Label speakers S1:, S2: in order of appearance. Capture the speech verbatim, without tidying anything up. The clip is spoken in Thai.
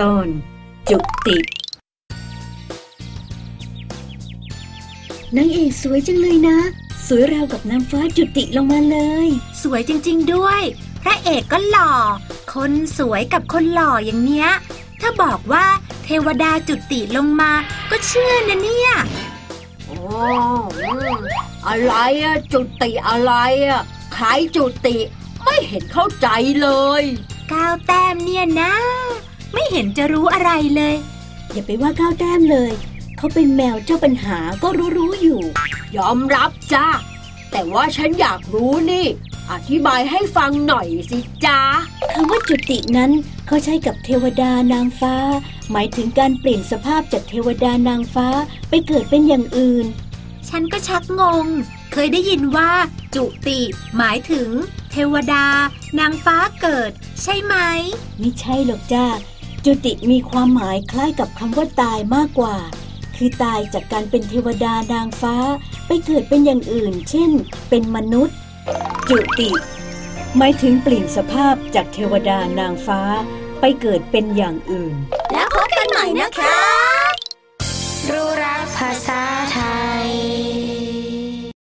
S1: อนจุตินางเอกสวยจังเลยนะสวยราวกับนางฟ้าจุติลงมาเลย
S2: สวยจริงๆด้วยพระเอกก็หล่อคนสวยกับคนหล่ออย่างเนี้ยถ้าบอกว่าเทวดาจุติลงมาก็เชื่อนะเนี่ย
S3: โอ้อะไรอะจุติอะไรอะใครจุติไม่เห็นเข้าใจเลย
S2: ก้าวแต้มเนี่ยนะไม่เห็นจะรู้อะไรเลย
S1: อย่าไปว่าก้าวแต้มเลยเขาเป็นแมวเจ้าปัญหาก็รู้ๆอยู่
S3: ยอมรับจ้าแต่ว่าฉันอยากรู้นี่อธิบายให้ฟังหน่อยสิจ้า
S1: คำว่าจุตินั้นเขาใช้กับเทวดานางฟ้าหมายถึงการเปลี่ยนสภาพจากเทวดานางฟ้าไปเกิดเป็นอย่างอื่น
S2: ฉันก็ชักงงเคยได้ยินว่าจุติหมายถึงเทวดานางฟ้าเกิดใช่ไหม
S1: ไม่ใช่หรอกจ้าจุติมีความหมายคล้ายกับคำว่าตายมากกว่าคือตายจากการเป็นเทวดานางฟ้าไปเกิดเป็นอย่างอื่นเช่นเป็นมนุษย์จุติหมายถึงเปลี่ยนสภาพจากเทวดานางฟ้าไปเกิดเป็นอย่างอื่น
S2: แล้วพบกันใหม่นะคะรู้รักภาษา